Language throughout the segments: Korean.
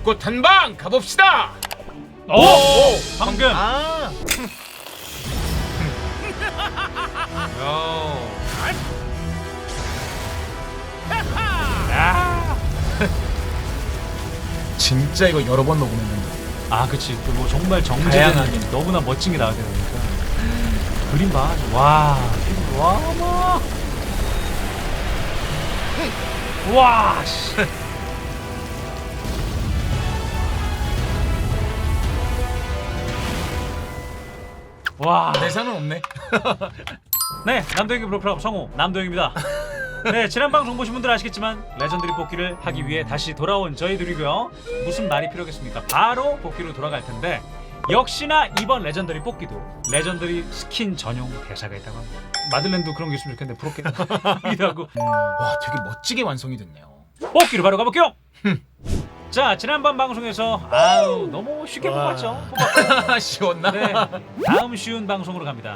불꽃 한방 가봅시다. 오! 방금. 아. 야. 진짜 이거 여러 번 녹음했는데. 아, 그치. 또 뭐 정말 정제된 다양하게. 너무나 멋진 게 나와야 되니까. 그림 봐. 와. 와, 뭐. 와, 씨. 와. 대사는 없네. 네, 남도영이 프로그램 성우 남도영입니다. 네, 지난 방송 보신 분들 아시겠지만 레전드리 뽑기를 하기 위해 다시 돌아온 저희들이고요. 무슨 말이 필요하겠습니다. 바로 뽑기로 돌아갈 텐데 역시나 이번 레전더리 뽑기도 레전더리 스킨 전용 대사가 있다고 합니다. 마들렌도 그런 게 있으면 좋겠는데 부럽게 하고 와, 되게 멋지게 완성이 됐네요. 뽑기로 바로 가볼게요. 자, 지난번 방송에서 아우 너무 쉽게 와. 뽑았죠. 쉬웠나? 네, 다음 쉬운 방송으로 갑니다.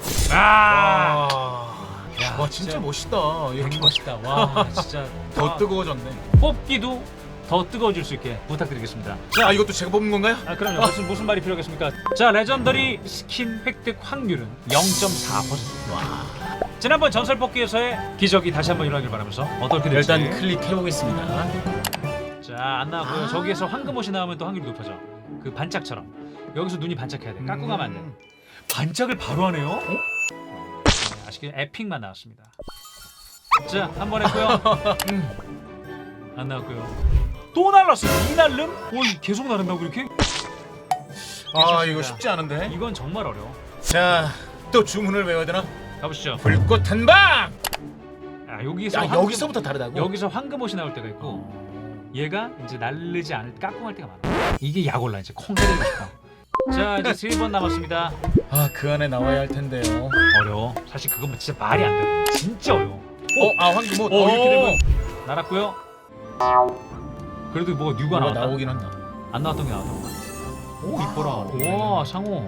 야, 와, 진짜 멋있다. 이렇게 멋있다. 와, 진짜 더 뜨거워졌네. 뽑기도 더 뜨거워질 수 있게 부탁드리겠습니다. 자, 이것도 제가 뽑는 건가요? 아, 그럼요. 무슨 말이 필요하겠습니까? 자, 레전더리 스킨 획득 확률은 0.4%. 와. 지난번 전설 뽑기에서의 기적이 다시 한번 일어나길 바라면서 어떻게 될지 일단 클릭해 보겠습니다. 자, 안 나왔고요. 저기에서 황금옷이 나오면 또 확률이 높아져. 그 반짝처럼 여기서 눈이 반짝해야 돼. 깎고 가면 안 돼. 반짝을 바로 하네요. 네, 아쉽게 에픽만 나왔습니다. 자, 한 번 했고요. 안 나왔고요. 또 날랐어. 이 날름? 계속 나른다고 이렇게? 아, 이거 쉽지 않은데. 이건 정말 어려워. 자, 또 주문을 외워야 되나? 가보시죠. 불꽃 한방. 아, 여기서 야, 여기서부터 다르다고? 여기서 황금옷이 나올 때가 있고 얘가 이제 날르지 않을 깍꿍할 때가 많아. 이게 약 올라 이제 콩 해드리고 싶어. 자, 이제 3번 남았습니다. 아, 그 안에 나와야 할 텐데요. 어려워. 사실 그건 진짜 말이 안 돼. 진짜 어려워. 황금옷. 이렇게 되면 날았고요. 그래도 뭐가 뉴가 뭐가 나왔다. 나오긴 한다. 안 나왔던 게 나왔던 거야. 오, 이뻐라. 와, 상호.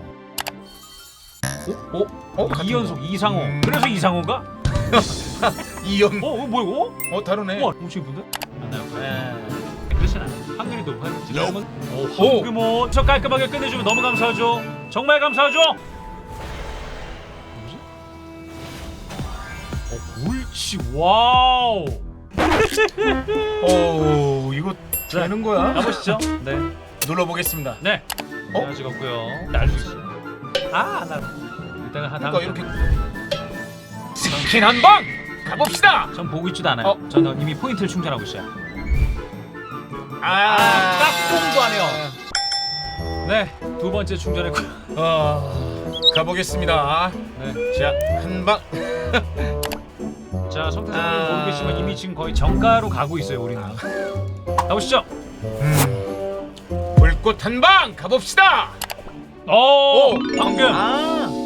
같은 2연속 거. 이상호. 그래서 이상호인가? 이연. 뭐야 이거? 다르네. 우와, 엄청 이쁜데? 안 나왔고요. 네. 그렇잖아. 확률이 높아요. 지금은 황금옷 저 깔끔하게 끝내주면 너무 감사하죠. 정말 감사하죠. 옳지. 와우. 이거 되는 거야? 가보시죠. 네. 눌러보겠습니다. 네. 자, 찍었고요. 날리지. 안 날아. 이따가 그러니까 이렇게 스킨 한방 가봅시다. 전 보고 있지도 않아요. 저는 이미 포인트를 충전하고 있어요. 깍꿍도 안 해요. 네, 두 번째 충전했고요. 가보겠습니다. 네. 자, 한방. 자, 성태사님 모르겠지만 이미 지금 거의 정가로 가고 있어요. 우리는. 가보시죠. 불꽃 한방 가봅시다. 방금.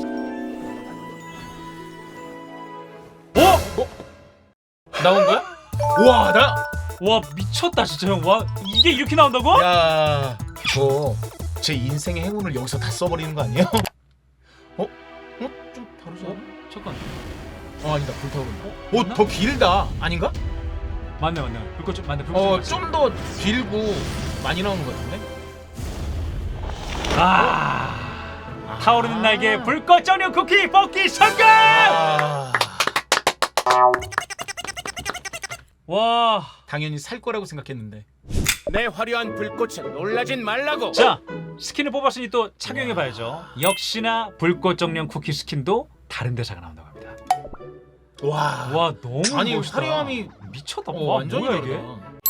나온 거야? 우와, 와, 미쳤다 진짜 형. 와, 이게 이렇게 나온다고? 야, 이거 제 인생의 행운을 여기서 다 써버리는 거 아니에요? 좀 다르지 않아? 잠깐. 아니다, 불타오른다. 맞나? 더 길다. 아닌가? 맞네. 불꽃 좀 맞네. 불꽃 좀 더 길고 많이 나오는 거 같은데? 타오르는 날개 불꽃 전용 쿠키 뽑기 성공! 와. 당연히 살 거라고 생각했는데. 내 화려한 불꽃에 놀라진 말라고. 자, 스킨을 뽑았으니 또 착용해 봐야죠. 역시나 불꽃 정령 쿠키 스킨도 다른 대사가 나온다고 합니다. 와, 너무 아니, 멋있다. 화려함이 미쳤다. 완전히 뭐야 다르다. 이게?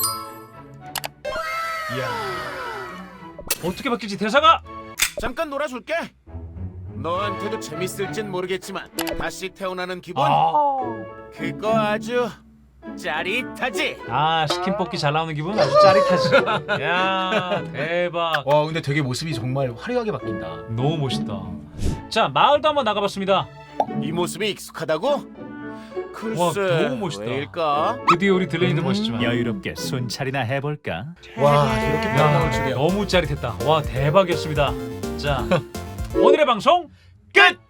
이야. 어떻게 바뀔지 대사가 잠깐 놀아줄게. 너한테도 재밌을진 모르겠지만 다시 태어나는 기분 그거 아주 짜릿하지. 스킨 뽑기 잘 나오는 기분 아주 짜릿하지. 야, 대박. 와, 근데 되게 모습이 정말 화려하게 바뀐다. 너무 멋있다. 자, 마을도 한번 나가봤습니다. 이 모습이 익숙하다고? 글쎄, 와, 너무 멋있다. 왜일까? 드디어 우리 딜레이도 멋있지만 여유롭게 순찰이나 해볼까? 와, 이렇게 딱 나올 줄이야. 너무 짜릿했다. 와, 대박이었습니다. 자, 오늘의 방송 끝!